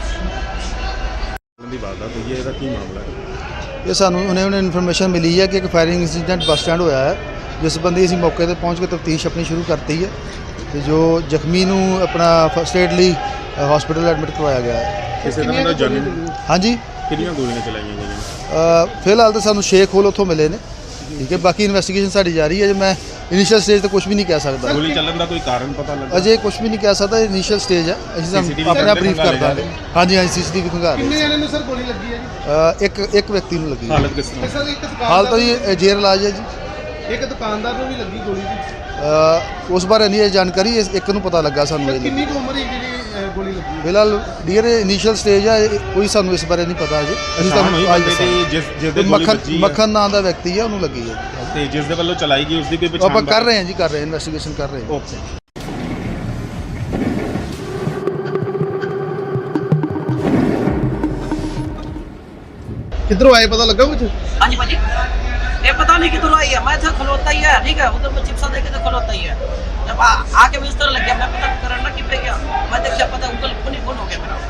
ਦੀ ਵਾਰਦਾਤ ਹੋਈ ਹੈ, ਇਹਦਾ ਕੀ ਮਾਮਲਾ ਹੈ?
ਇਹ ਸਾਨੂੰ ਉਹਨੇ ਇਨਫੋਰਮੇਸ਼ਨ ਮਿਲੀ ਹੈ ਕਿ ਇੱਕ ਫਾਇਰਿੰਗ ਇੰਸੀਡੈਂਟ ਬੱਸ ਸਟੈਂਡ ਹੋਇਆ ਹੈ, ਜਿਸ ਬੰਦੇ ਅਸੀਂ ਮੌਕੇ ਤੇ ਪਹੁੰਚ ਕੇ ਤਫਤੀਸ਼ ਆਪਣੀ ਸ਼ੁਰੂ ਕਰਤੀ ਹੈ ਤੇ ਜੋ ਜ਼ਖਮੀ ਨੂੰ ਆਪਣਾ ਫਸਟ ਏਡ ਲਈ ਹਸਪੀਟਲ ਐਡਮਿਟ ਕਰਵਾਇਆ ਗਿਆ ਹੈ।
ਕਿਸੇ ਤਰ੍ਹਾਂ ਦਾ ਜਾਨੀ
ਹਾਂਜੀ,
ਕਿੰਨੀਆਂ ਗੋਲੀਆਂ ਚਲਾਈਆਂ ਗਈਆਂ?
ਫਿਲਹਾਲ ਤਾਂ ਸਾਨੂੰ ਸ਼ੇਖ ਹੋਲ ਉੱਥੋਂ ਮਿਲੇ ਨੇ, ਠੀਕ ਹੈ, ਬਾਕੀ ਇਨਵੈਸਟੀਗੇਸ਼ਨ ਸਾਡੀ ਜਾਰੀ ਹੈ। ਜੇ ਮੈਂ ਇਨੀਸ਼ੀਅਲ ਸਟੇਜ ਤੇ ਕੁਝ ਵੀ ਨਹੀਂ ਕਹਿ ਸਕਦਾ,
ਗੋਲੀ ਚੱਲਣ ਦਾ ਕੋਈ ਕਾਰਨ ਪਤਾ ਲੱਗਾ?
ਅਜੇ ਕੁਝ ਵੀ ਨਹੀਂ ਕਹਿ ਸਕਦਾ, ਇਨੀਸ਼ੀਅਲ ਸਟੇਜ ਹੈ, ਅਸੀਂ
CCTV
ਤੁਹਾਨੂੰ ਆਪਣਾ ਬਰੀਫ ਕਰ
ਖੰਗਾਲ
ਦਾਂਗੇ। ਹਾਂਜੀ ਹਾਂਜੀ, ਸੀਸੀਟੀਵੀ ਖੰਗਾਲ ਰਹੇ
ਕਿੰਨੇ ਜਣੇ ਨੂੰ ਸਰ ਗੋਲੀ ਲੱਗੀ ਹੈ ਜੀ?
ਇੱਕ ਵਿਅਕਤੀ ਨੂੰ ਲੱਗੀ ਹੈ।
ਹਾਲਤ ਕਿਸ ਤਰ੍ਹਾਂ?
ਸਰ ਇੱਕ
ਹਾਲ ਤਾਂ
ਦੁਕਾਨਦਾਰ
ਜੀ ਜੇਰ ਇਲਾਜ ਹੈ ਜੀ।
ਇੱਕ ਦੁਕਾਨਦਾਰ ਨੂੰ ਵੀ ਲੱਗੀ ਗੋਲੀ ਜੀ।
ਉਸ ਬਾਰੇ ਨਹੀਂ ਇਹ ਜਾਣਕਾਰੀ, ਇੱਕ ਨੂੰ ਪਤਾ ਲੱਗਾ ਸਾਨੂੰ
ਸਰ
ਇਹ।
ਕਿੰਨੀ ਕੁ ਉਮਰ ਹੈ ਜਿਹੜੀ ਗੋਲੀ ਲੱਗੀ?
ਫਿਲਹਾਲ ਡੀਅਰ ਇਨੀਸ਼ੀਅਲ ਸਟੇਜ ਹੈ, ਕੋਈ ਸਾਨੂੰ ਇਸ ਬਾਰੇ ਨਹੀਂ ਪਤਾ ਅਜੇ। ਅਸੀਂ
ਸ਼ਾਮ ਹੋਈ
ਤੁਹਾਨੂੰ ਅੱਜ
ਬੰਦੇ
ਦੱਸਾਂਗੇ।
ਦੀ ਜਿਸ ਦੇ ਗੋਲੀ ਵੱਜੀ ਹੈ
ਮੱਖਣ ਨਾਂ ਦਾ ਵਿਅਕਤੀ ਹੈ, ਉਹਨੂੰ ਲੱਗੀ ਹੈ।
ਤੇ ਜਿਸ ਦੇ ਵੱਲੋਂ ਚਲਾਈ ਗਈ ਉਸ ਦੀ ਕੋਈ ਪਛਾਣ?
ਆਪਾਂ ਕਰ ਰਹੇ ਹਾਂ ਜੀ, ਕਰ ਰਹੇ ਹਾਂ, ਇਨਵੈਸਟੀਗੇਸ਼ਨ ਕਰ ਰਹੇ ਹਾਂ।
ਓਕੇ।
किधरों आए पता लगा कुछ?
हाँ जी भाजी, ये पता नहीं किधर आई है, मैं था खलोता ही है, ठीक है, उधर मैं चिप्सा देखे तो खलोता ही है। जब आके मुझे इस तरह लग गया, मैं पता करना कि पे गया, मैं देखा पता गूगल फोन ही फोन हो गया मेरा।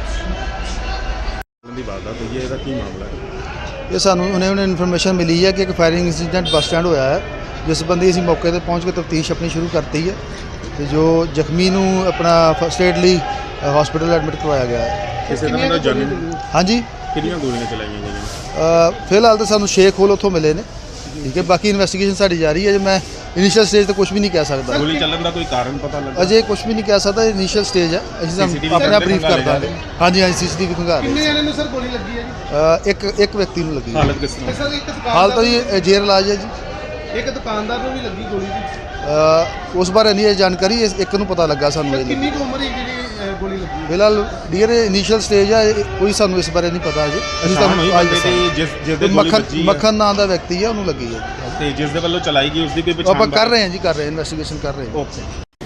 ਦੀ ਵਾਰਦਾਤ ਹੋਈ ਹੈ, ਇਹਦਾ ਕੀ ਮਾਮਲਾ ਹੈ?
ਇਹ ਸਾਨੂੰ ਉਹਨੇ ਇਨਫੋਰਮੇਸ਼ਨ ਮਿਲੀ ਹੈ ਕਿ ਇੱਕ ਫਾਇਰਿੰਗ ਇੰਸੀਡੈਂਟ ਬੱਸ ਸਟੈਂਡ ਹੋਇਆ ਹੈ, ਜਿਸ ਸੰਬੰਧੀ ਅਸੀਂ ਮੌਕੇ ਤੇ ਪਹੁੰਚ ਕੇ ਤਫਤੀਸ਼ ਆਪਣੀ ਸ਼ੁਰੂ ਕਰਤੀ ਹੈ ਤੇ ਜੋ ਜ਼ਖਮੀ ਨੂੰ ਆਪਣਾ ਫਸਟ ਏਡ ਲਈ ਹਸਪੀਟਲ ਐਡਮਿਟ ਕਰਵਾਇਆ ਗਿਆ ਹੈ।
ਕਿਸੇ ਤਰ੍ਹਾਂ ਦਾ ਜਾਨੀ
ਹਾਂਜੀ,
ਕਿੰਨੀਆਂ ਗੋਲੀਆਂ ਚਲਾਈਆਂ ਗਈਆਂ?
ਫਿਲਹਾਲ ਤਾਂ ਸਾਨੂੰ ਸ਼ੇਖ ਹੋਲ ਉੱਥੋਂ ਮਿਲੇ ਨੇ, ਠੀਕ ਹੈ, ਬਾਕੀ ਇਨਵੈਸਟੀਗੇਸ਼ਨ ਸਾਡੀ ਜਾਰੀ ਹੈ। ਜੇ ਮੈਂ ਇਨੀਸ਼ੀਅਲ ਸਟੇਜ ਤੇ ਕੁਝ ਵੀ ਨਹੀਂ ਕਹਿ ਸਕਦਾ,
ਗੋਲੀ ਚੱਲਣ ਦਾ ਕੋਈ ਕਾਰਨ ਪਤਾ ਲੱਗਾ?
ਅਜੇ ਕੁਝ ਵੀ ਨਹੀਂ ਕਹਿ ਸਕਦਾ, ਇਨੀਸ਼ੀਅਲ ਸਟੇਜ ਹੈ, ਅਸੀਂ
CCTV
ਆਪਣੇ ਆਪ ਬਰੀਫ
ਖੰਗਾਲ
ਕਰ ਦਾਂਗੇ। ਹਾਂਜੀ ਹਾਂਜੀ, ਸੀਸੀਟੀਵੀ ਖੰਗਾਲ ਰਹੇ।
किन्ने जने नु सर गोली लगी है जी?
ਇੱਕ ਵਿਅਕਤੀ ਨੂੰ ਲੱਗੀ ਹੈ।
ਹਾਲਤ ਕਿਸ ਤਰ੍ਹਾਂ?
सर एक
ਹਾਲ ਤਾਂ
दुकानदार
ਜੀ ਜੇਰ ਇਲਾਜ ਹੈ ਜੀ।
एक दुकानदार ਨੂੰ ਵੀ ਲੱਗੀ ਗੋਲੀ ਜੀ।
ਉਸ ਬਾਰੇ ਨਹੀਂ ਇਹ ਜਾਣਕਾਰੀ, ਇੱਕ ਨੂੰ ਪਤਾ ਲੱਗਾ ਸਾਨੂੰ
ਸਰ
ਇਹ
ਕਿੰਨੀ ਕੁ ਉਮਰ ਹੈ ਜਿਹੜੀ ਗੋਲੀ ਲੱਗੀ ਹੈ?
ਫਿਲਹਾਲ ਡੀਅਰ ਇਨੀਸ਼ੀਅਲ ਸਟੇਜ ਹੈ, ਕੋਈ ਸਾਨੂੰ ਇਸ ਬਾਰੇ ਨਹੀਂ ਪਤਾ ਅਜੇ। ਅਸੀਂ
ਪਛਾਣ ਹੋਈ
ਤੁਹਾਨੂੰ ਅੱਜ
ਬੰਦੇ ਦੀ ਜਿਸ ਦੇ ਗੋਲੀ
ਮੱਖਣ
ਵੱਜੀ ਹੈ
ਮੱਖਣ ਨਾਂ ਦਾ ਵਿਅਕਤੀ ਹੈ, ਉਹਨੂੰ ਲੱਗੀ ਹੈ।
ਤੇ ਜਿਸ ਦੇ ਵੱਲੋਂ ਚਲਾਈ ਗਈ ਉਸ ਦੀ ਕੋਈ
ਉਹ ਆਪਾਂ
ਪਛਾਣ?
ਕਰ ਰਹੇ ਹਾਂ ਜੀ, ਕਰ ਰਹੇ ਹਾਂ, ਇਨਵੈਸਟੀਗੇਸ਼ਨ ਕਰ ਰਹੇ ਹਾਂ।
ਓਕੇ।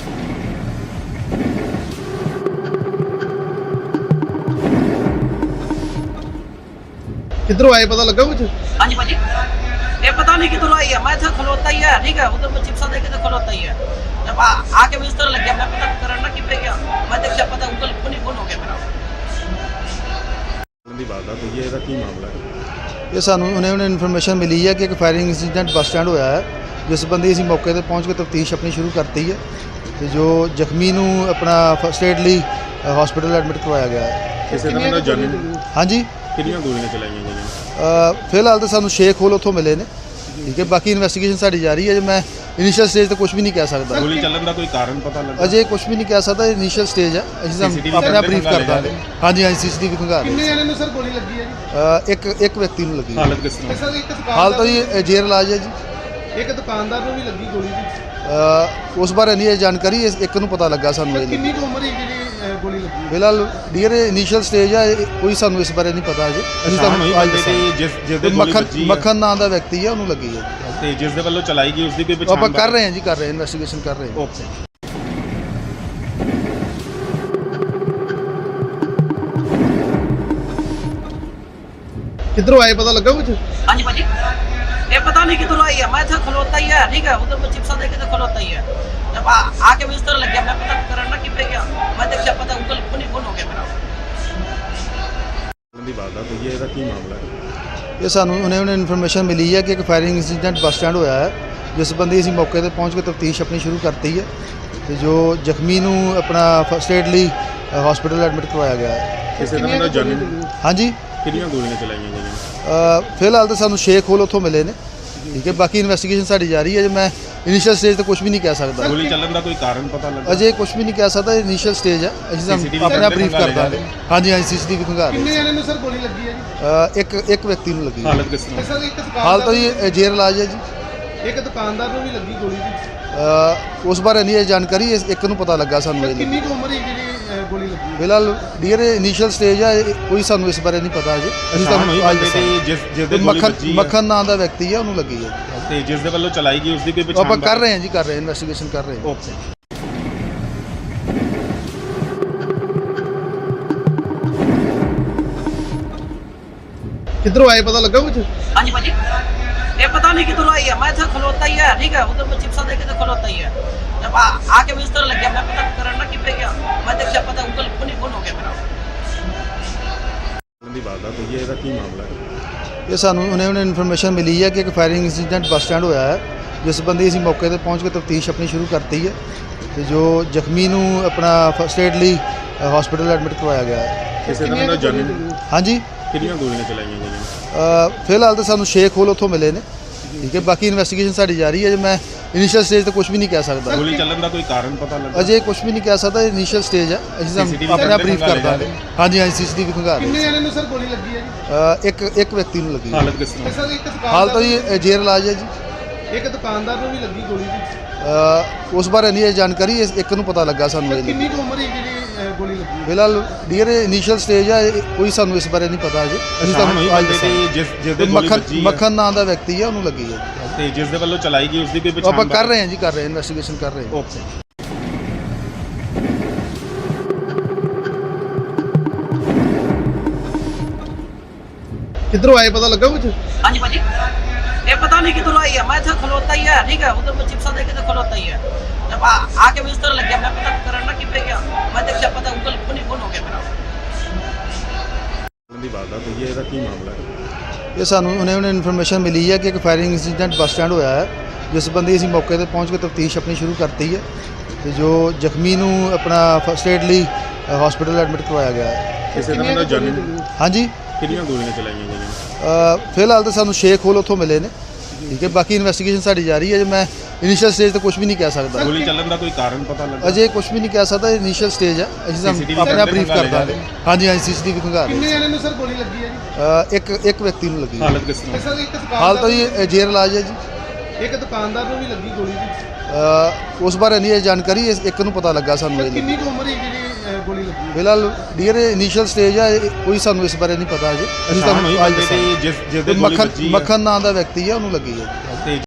किधरों आए पता लगा कुछ?
हाँ जी भाजी, ये पता नहीं किधर आई है, मैं था खलोता ही है, ठीक है, उधर मैं चिप्सा देखे तो खलोता ही है। जब आके मुझे इस तरह लग गया, मैं पता करना कि पे गया, मैं देखा पता गूगल फोन ही फोन हो गया मेरा।
ਦੀ ਵਾਰਦਾਤ ਹੋਈ ਹੈ, ਇਹਦਾ ਕੀ ਮਾਮਲਾ ਹੈ?
ਇਹ ਸਾਨੂੰ ਉਹਨੇ ਇਨਫੋਰਮੇਸ਼ਨ ਮਿਲੀ ਹੈ ਕਿ ਇੱਕ ਫਾਇਰਿੰਗ ਇੰਸੀਡੈਂਟ ਬੱਸ ਸਟੈਂਡ ਹੋਇਆ ਹੈ, ਜਿਸ ਸੰਬੰਧੀ ਅਸੀਂ ਮੌਕੇ ਤੇ ਪਹੁੰਚ ਕੇ ਤਫਤੀਸ਼ ਆਪਣੀ ਸ਼ੁਰੂ ਕਰਤੀ ਹੈ ਤੇ ਜੋ ਜ਼ਖਮੀ ਨੂੰ ਆਪਣਾ ਫਸਟ ਏਡ ਲਈ ਹਸਪੀਟਲ ਐਡਮਿਟ ਕਰਵਾਇਆ ਗਿਆ ਹੈ।
ਕਿਸੇ ਤਰ੍ਹਾਂ ਦਾ ਜਾਨੀ
ਹਾਂਜੀ,
ਕਿੰਨੀਆਂ ਗੋਲੀਆਂ ਚਲਾਈਆਂ ਗਈਆਂ?
ਫਿਲਹਾਲ ਤਾਂ ਸਾਨੂੰ ਸ਼ੇਖ ਹੋਲ ਉੱਥੋਂ ਮਿਲੇ ਨੇ, ਠੀਕ ਹੈ, ਬਾਕੀ ਇਨਵੈਸਟੀਗੇਸ਼ਨ ਸਾਡੀ ਜਾਰੀ ਹੈ। ਜੇ ਮੈਂ ਇਨੀਸ਼ੀਅਲ ਸਟੇਜ ਤੇ ਕੁਝ ਵੀ ਨਹੀਂ ਕਹਿ ਸਕਦਾ,
ਗੋਲੀ ਚੱਲਣ ਦਾ ਕੋਈ ਕਾਰਨ ਪਤਾ ਲੱਗਾ?
ਅਜੇ ਕੁਝ ਵੀ ਨਹੀਂ ਕਹਿ ਸਕਦਾ, ਇਨੀਸ਼ੀਅਲ ਸਟੇਜ ਹੈ, ਅਸੀਂ
CCTV
ਆਪਣੇ ਆਪ ਬਰੀਫ ਕਰ
ਖੰਗਾਲ
ਦਾਂਗੇ। ਹਾਂਜੀ ਹਾਂਜੀ, ਸੀਸੀਟੀਵੀ ਖੰਗਾਲ ਰਹੇ।
ਕਿੰਨੇ ਜਣੇ ਨੂੰ ਸਰ ਗੋਲੀ ਲੱਗੀ ਹੈ ਜੀ?
ਇੱਕ ਵਿਅਕਤੀ ਨੂੰ ਲੱਗੀ ਹੈ।
ਹਾਲਤ ਕਿਸ ਤਰ੍ਹਾਂ?
ਸਰ ਇੱਕ
ਹਾਲ ਤਾਂ
ਦੁਕਾਨਦਾਰ
ਜੀ ਜੇਰ ਇਲਾਜ ਹੈ ਜੀ।
ਇੱਕ ਦੁਕਾਨਦਾਰ ਨੂੰ ਵੀ ਲੱਗੀ ਗੋਲੀ ਜੀ।
ਉਸ ਬਾਰੇ ਨਹੀਂ ਇਹ ਜਾਣਕਾਰੀ, ਇੱਕ ਨੂੰ ਪਤਾ ਲੱਗਾ ਸਾਨੂੰ
ਸਰ
ਇਹ।
ਕਿੰਨੀ ਕੁ ਉਮਰ ਹੈ ਜਿਹੜੀ ਗੋਲੀ ਲੱਗੀ ਹੈ?
ਫਿਲਹਾਲ ਡੀਅਰ ਇਨੀਸ਼ੀਅਲ ਸਟੇਜ ਹੈ, ਕੋਈ ਸਾਨੂੰ ਇਸ ਬਾਰੇ ਨਹੀਂ ਪਤਾ ਅਜੇ। ਅਸੀਂ
ਪਛਾਣ ਹੋਈ
ਤੁਹਾਨੂੰ ਅੱਜ
ਬੰਦੇ ਦੀ ਜਿਸ ਦੇ ਗੋਲੀ ਵੱਜੀ ਹੈ
ਮੱਖਣ ਨਾਂ ਦਾ ਵਿਅਕਤੀ ਹੈ, ਉਹਨੂੰ ਲੱਗੀ ਹੈ।
ਤੇ ਜਿਸ ਦੇ ਵੱਲੋਂ ਚਲਾਈ ਗਈ ਉਸ ਦੀ ਕੋਈ
ਉਹ
ਪਛਾਣ?
ਆਪਾਂ ਕਰ ਰਹੇ ਹਾਂ ਜੀ, ਕਰ ਰਹੇ ਹਾਂ, ਇਨਵੈਸਟੀਗੇਸ਼ਨ ਕਰ ਰਹੇ ਹਾਂ।
ਓਕੇ।
किधरों आए पता लगा कुछ?
हाँ जी भाजी, ये पता नहीं किधर आई है, मैं था खलोता ही है, ठीक है, उधर मैं चिप्सा देखे तो खलोता ही है। जब आके मुझे इस तरह लग गया, मैं पता करना कि पे गया, मैं देखा पता गूगल फोन ही फोन हो गया मेरा।
ਦੀ ਵਾਰਦਾਤ ਹੋਈ ਹੈ, ਇਹਦਾ ਕੀ ਮਾਮਲਾ ਹੈ?
ਇਹ ਸਾਨੂੰ ਉਹਨੇ ਇਨਫੋਰਮੇਸ਼ਨ ਮਿਲੀ ਹੈ ਕਿ ਇੱਕ ਫਾਇਰਿੰਗ ਇੰਸੀਡੈਂਟ ਬੱਸ ਸਟੈਂਡ ਹੋਇਆ ਹੈ, ਜਿਸ ਸੰਬੰਧੀ ਅਸੀਂ ਮੌਕੇ ਤੇ ਪਹੁੰਚ ਕੇ ਤਫਤੀਸ਼ ਆਪਣੀ ਸ਼ੁਰੂ ਕਰਤੀ ਹੈ ਤੇ ਜੋ ਜ਼ਖਮੀ ਨੂੰ ਆਪਣਾ ਫਸਟ ਏਡ ਲਈ ਹਸਪੀਟਲ ਐਡਮਿਟ ਕਰਵਾਇਆ ਗਿਆ ਹੈ।
ਕਿਸੇ ਤਰ੍ਹਾਂ ਦਾ ਜਾਨੀ
ਹਾਂਜੀ,
ਕਿੰਨੀਆਂ ਗੋਲੀਆਂ ਚਲਾਈਆਂ ਗਈਆਂ?
ਫਿਲਹਾਲ ਤਾਂ ਸਾਨੂੰ ਸ਼ੇਖ ਹੋਲ ਉੱਥੋਂ ਮਿਲੇ ਨੇ, ਠੀਕ ਹੈ, ਬਾਕੀ ਇਨਵੈਸਟੀਗੇਸ਼ਨ ਸਾਡੀ ਜਾਰੀ ਹੈ। ਜੇ ਮੈਂ ਇਨੀਸ਼ੀਅਲ ਸਟੇਜ ਤੇ ਕੁਝ ਵੀ ਨਹੀਂ ਕਹਿ ਸਕਦਾ,
ਗੋਲੀ ਚੱਲਣ ਦਾ ਕੋਈ ਕਾਰਨ ਪਤਾ ਲੱਗਾ?
ਅਜੇ ਕੁਝ ਵੀ ਨਹੀਂ ਕਹਿ ਸਕਦਾ, ਇਨੀਸ਼ੀਅਲ ਸਟੇਜ ਹੈ, ਅਸੀਂ
CCTV
ਆਪਣੇ ਆਪ ਬਰੀਫ ਕਰ
ਖੰਗਾਲ
ਦਾਂਗੇ। ਹਾਂਜੀ ਹਾਂਜੀ, ਸੀਸੀਟੀਵੀ ਖੰਗਾਲ ਰਹੇ।
ਕਿੰਨੇ ਜਣੇ ਨੂੰ ਸਰ ਗੋਲੀ ਲੱਗੀ ਹੈ ਜੀ?
ਇੱਕ ਵਿਅਕਤੀ ਨੂੰ ਲੱਗੀ ਹੈ।
ਹਾਲਤ ਕਿਸ ਤਰ੍ਹਾਂ?
ਸਰ ਇੱਕ
ਹਾਲ ਤਾਂ
ਦੁਕਾਨਦਾਰ
ਜੀ ਜੇਰ ਇਲਾਜ ਹੈ ਜੀ।
ਇੱਕ ਦੁਕਾਨਦਾਰ ਨੂੰ ਵੀ ਲੱਗੀ ਗੋਲੀ ਜੀ।
ਉਸ ਬਾਰੇ ਨਹੀਂ ਇਹ ਜਾਣਕਾਰੀ, ਇੱਕ ਨੂੰ ਪਤਾ ਲੱਗਾ ਸਾਨੂੰ
ਸਰ
ਇਹ।
ਕਿੰਨੀ ਕੁ ਉਮਰ ਹੈ ਜਿਹੜੀ ਗੋਲੀ ਲੱਗੀ ਹੈ?
ਫਿਲਹਾਲ ਡੀਅਰ ਇਨੀਸ਼ੀਅਲ ਸਟੇਜ ਹੈ, ਕੋਈ ਸਾਨੂੰ ਇਸ ਬਾਰੇ ਨਹੀਂ ਪਤਾ ਅਜੇ। ਅਸੀਂ
ਪਛਾਣ ਹੋਈ
ਤੁਹਾਨੂੰ ਅੱਜ
ਬੰਦੇ ਦੀ ਜਿਸ ਦੇ ਗੋਲੀ ਵੱਜੀ ਹੈ
ਮੱਖਣ ਨਾਂ ਦਾ ਵਿਅਕਤੀ ਹੈ, ਉਹਨੂੰ ਲੱਗੀ ਹੈ।
ਤੇ ਜਿਸ ਦੇ ਵੱਲੋਂ ਚਲਾਈ ਗਈ ਉਸ ਦੀ ਕੋਈ
ਉਹ
ਪਛਾਣ?
ਆਪਾਂ ਕਰ ਰਹੇ ਹਾਂ ਜੀ, ਕਰ ਰਹੇ ਹਾਂ, ਇਨਵੈਸਟੀਗੇਸ਼ਨ ਕਰ ਰਹੇ ਹਾਂ।
ਓਕੇ।
किधरों आए पता लगा कुछ?
हाँ जी भाजी, ये पता नहीं किधर आई है, मैं था खलोता ही है, ठीक है, उधर मैं चिप्सा देखे तो खलोता ही है। जब आके मुझे इस तरह लग गया, मैं पता करना कि पे गया, मैं देखा पता गूगल फोन ही फोन हो गया मेरा।
ਦੀ ਵਾਰਦਾਤ ਹੋਈ ਹੈ, ਇਹਦਾ ਕੀ ਮਾਮਲਾ ਹੈ?
ਇਹ ਸਾਨੂੰ ਉਹਨੇ ਇਨਫੋਰਮੇਸ਼ਨ ਮਿਲੀ ਹੈ ਕਿ ਇੱਕ ਫਾਇਰਿੰਗ ਇੰਸੀਡੈਂਟ ਬੱਸ ਸਟੈਂਡ ਹੋਇਆ ਹੈ, ਜਿਸ ਸੰਬੰਧੀ ਅਸੀਂ ਮੌਕੇ ਤੇ ਪਹੁੰਚ ਕੇ ਤਫਤੀਸ਼ ਆਪਣੀ ਸ਼ੁਰੂ ਕਰਤੀ ਹੈ ਤੇ ਜੋ ਜ਼ਖਮੀ ਨੂੰ ਆਪਣਾ ਫਸਟ ਏਡ ਲਈ ਹਸਪੀਟਲ ਐਡਮਿਟ ਕਰਵਾਇਆ ਗਿਆ ਹੈ।
ਕਿਸੇ ਤਰ੍ਹਾਂ ਦਾ ਜਾਨੀ
ਹਾਂਜੀ,
ਕਿੰਨੀਆਂ ਗੋਲੀਆਂ ਚਲਾਈਆਂ ਗਈਆਂ?
ਫਿਲਹਾਲ ਤਾਂ ਸਾਨੂੰ ਸ਼ੇਖ ਹੋਲ ਉੱਥੋਂ ਮਿਲੇ ਨੇ, ਠੀਕ ਹੈ, ਬਾਕੀ ਇਨਵੈਸਟੀਗੇਸ਼ਨ ਸਾਡੀ ਜਾਰੀ ਹੈ। ਜੇ ਮੈਂ ਇਨੀਸ਼ੀਅਲ ਸਟੇਜ ਤੇ ਕੁਝ ਵੀ ਨਹੀਂ ਕਹਿ ਸਕਦਾ,
ਗੋਲੀ ਚੱਲਣ ਦਾ ਕੋਈ ਕਾਰਨ ਪਤਾ ਲੱਗਾ?
ਅਜੇ ਕੁਝ ਵੀ ਨਹੀਂ ਕਹਿ ਸਕਦਾ, ਇਨੀਸ਼ੀਅਲ ਸਟੇਜ ਹੈ, ਅਸੀਂ
CCTV
ਆਪਣੇ ਆਪ ਬਰੀਫ ਕਰ
ਖੰਗਾਲ
ਦਾਂਗੇ। ਹਾਂਜੀ ਹਾਂਜੀ, ਸੀਸੀਟੀਵੀ ਖੰਗਾਲ ਰਹੇ।
ਕਿੰਨੇ ਜਣੇ ਨੂੰ ਸਰ ਗੋਲੀ ਲੱਗੀ ਹੈ ਜੀ?
ਇੱਕ ਵਿਅਕਤੀ ਨੂੰ ਲੱਗੀ ਹੈ।
ਹਾਲਤ ਕਿਸ ਤਰ੍ਹਾਂ?
ਸਰ ਇੱਕ
ਹਾਲ ਤਾਂ
ਦੁਕਾਨਦਾਰ
ਜੀ ਜੇਰ ਇਲਾਜ ਹੈ ਜੀ।
ਇੱਕ ਦੁਕਾਨਦਾਰ ਨੂੰ ਵੀ ਲੱਗੀ ਗੋਲੀ ਜੀ।
ਉਸ ਬਾਰੇ ਨਹੀਂ ਇਹ ਜਾਣਕਾਰੀ, ਇੱਕ ਨੂੰ ਪਤਾ ਲੱਗਾ ਸਾਨੂੰ
ਸਰ
ਇਹ।
ਕਿੰਨੀ ਕੁ ਉਮਰ ਹੈ ਜਿਹੜੀ ਗੋਲੀ ਲੱਗੀ ਹੈ?
ਫਿਲਹਾਲ ਡੀਅਰ ਇਨੀਸ਼ੀਅਲ ਸਟੇਜ ਹੈ, ਕੋਈ ਸਾਨੂੰ ਇਸ ਬਾਰੇ ਨਹੀਂ ਪਤਾ ਅਜੇ। ਅਸੀਂ
ਪਛਾਣ ਹੋਈ
ਤੁਹਾਨੂੰ ਅੱਜ
ਬੰਦੇ ਦੀ ਜਿਸ ਦੇ ਗੋਲੀ ਵੱਜੀ ਹੈ
ਮੱਖਣ ਨਾਂ ਦਾ ਵਿਅਕਤੀ ਹੈ, ਉਹਨੂੰ ਲੱਗੀ ਹੈ।
ਤੇ ਜਿਸ ਦੇ ਵੱਲੋਂ ਚਲਾਈ ਗਈ ਉਸ ਦੀ ਕੋਈ
ਉਹ
ਪਛਾਣ?
ਆਪਾਂ ਕਰ ਰਹੇ ਹਾਂ ਜੀ, ਕਰ ਰਹੇ ਹਾਂ, ਇਨਵੈਸਟੀਗੇਸ਼ਨ ਕਰ ਰਹੇ ਹਾਂ।
ਓਕੇ।
ਕਿੱਧਰੋਂ ਆਏ ਪਤਾ ਲੱਗਾ ਕੁਝ?
हाँ जी भाजी, ये पता नहीं किधर आई है, मैं था खलोता ही है, ठीक है, उधर मैं चिप्सा देखे तो खलोता ही है। जब आके मुझे इस तरह लग गया, मैं पता करना कि पे गया, मैं देखा पता गूगल फोन ही फोन हो गया मेरा।
ਦੀ ਵਾਰਦਾਤ ਹੋਈ ਹੈ, ਇਹਦਾ ਕੀ ਮਾਮਲਾ ਹੈ?
ਇਹ ਸਾਨੂੰ ਉਹਨੇ ਇਨਫੋਰਮੇਸ਼ਨ ਮਿਲੀ ਹੈ ਕਿ ਇੱਕ ਫਾਇਰਿੰਗ ਇੰਸੀਡੈਂਟ ਬੱਸ ਸਟੈਂਡ ਹੋਇਆ ਹੈ, ਜਿਸ ਸੰਬੰਧੀ ਅਸੀਂ ਮੌਕੇ ਤੇ ਪਹੁੰਚ ਕੇ ਤਫਤੀਸ਼ ਆਪਣੀ ਸ਼ੁਰੂ ਕਰਤੀ ਹੈ ਤੇ ਜੋ ਜ਼ਖਮੀ ਨੂੰ ਆਪਣਾ ਫਸਟ ਏਡ ਲਈ ਹਸਪੀਟਲ ਐਡਮਿਟ ਕਰਵਾਇਆ ਗਿਆ ਹੈ।
ਕਿਸੇ ਤਰ੍ਹਾਂ ਦਾ ਜਾਨੀ
ਹਾਂਜੀ,
ਕਿੰਨੀਆਂ ਗੋਲੀਆਂ ਚਲਾਈਆਂ ਗਈਆਂ?
ਫਿਲਹਾਲ ਤਾਂ ਸਾਨੂੰ ਸ਼ੇਖ ਹੋਲ ਉੱਥੋਂ ਮਿਲੇ ਨੇ, ਠੀਕ ਹੈ, ਬਾਕੀ ਇਨਵੈਸਟੀਗੇਸ਼ਨ ਸਾਡੀ ਜਾਰੀ ਹੈ। ਜੇ ਮੈਂ ਇਨੀਸ਼ੀਅਲ ਸਟੇਜ ਤੇ ਕੁਝ ਵੀ ਨਹੀਂ ਕਹਿ ਸਕਦਾ,
ਗੋਲੀ ਚੱਲਣ ਦਾ ਕੋਈ ਕਾਰਨ ਪਤਾ ਲੱਗਾ?
ਅਜੇ ਕੁਝ ਵੀ ਨਹੀਂ ਕਹਿ ਸਕਦਾ, ਇਨੀਸ਼ੀਅਲ ਸਟੇਜ ਹੈ, ਅਸੀਂ ਤੁਹਾਨੂੰ ਆਪਣਾ ਬਰੀਫ ਕਰ ਦਾਂਗੇ। ਹਾਂਜੀ ਹਾਂਜੀ, ਸੀਸੀਟੀਵੀ ਖੰਗਾ ਰਹੇ।
ਕਿੰਨੇ ਜਣੇ ਨੂੰ ਸਰ ਗੋਲੀ ਲੱਗੀ ਹੈ ਜੀ?
ਇੱਕ ਵਿਅਕਤੀ ਨੂੰ ਲੱਗੀ ਹੈ।
ਹਾਲਤ ਕਿਸ ਤਰ੍ਹਾਂ?
ਸਰ ਇੱਕ
ਹਾਲ ਤਾਂ
ਦੁਕਾਨਦਾਰ
ਜੀ ਜੇਰ ਇਲਾਜ ਹੈ ਜੀ।
ਇੱਕ ਦੁਕਾਨਦਾਰ ਨੂੰ ਵੀ ਲੱਗੀ ਗੋਲੀ ਜੀ।
ਉਸ ਬਾਰੇ ਨਹੀਂ ਇਹ ਜਾਣਕਾਰੀ, ਇੱਕ ਨੂੰ ਪਤਾ ਲੱਗਾ ਸਾਨੂੰ।
ਸਰ
ਇਹ
ਕਿੰਨੀ ਕੁ ਉਮਰ ਹੈ ਜਿਹੜੀ ਗੋਲੀ ਲੱਗੀ?
ਫਿਲਹਾਲ ਡੀਅਰ ਇਨੀਸ਼ੀਅਲ ਸਟੇਜ ਹੈ, ਕੋਈ ਸਾਨੂੰ ਇਸ ਬਾਰੇ ਨਹੀਂ ਪਤਾ ਅਜੇ। ਅਸੀਂ
ਪਛਾਣ ਹੋਈ
ਤੁਹਾਨੂੰ ਅੱਜ
ਬੰਦੇ ਦੀ ਜਿਸ ਦੇ ਗੋਲੀ ਵੱਜੀ ਹੈ?
ਮੱਖਣ ਨਾਂ ਦਾ ਵਿਅਕਤੀ ਹੈ, ਉਹਨੂੰ ਲੱਗੀ ਹੈ।
ਤੇ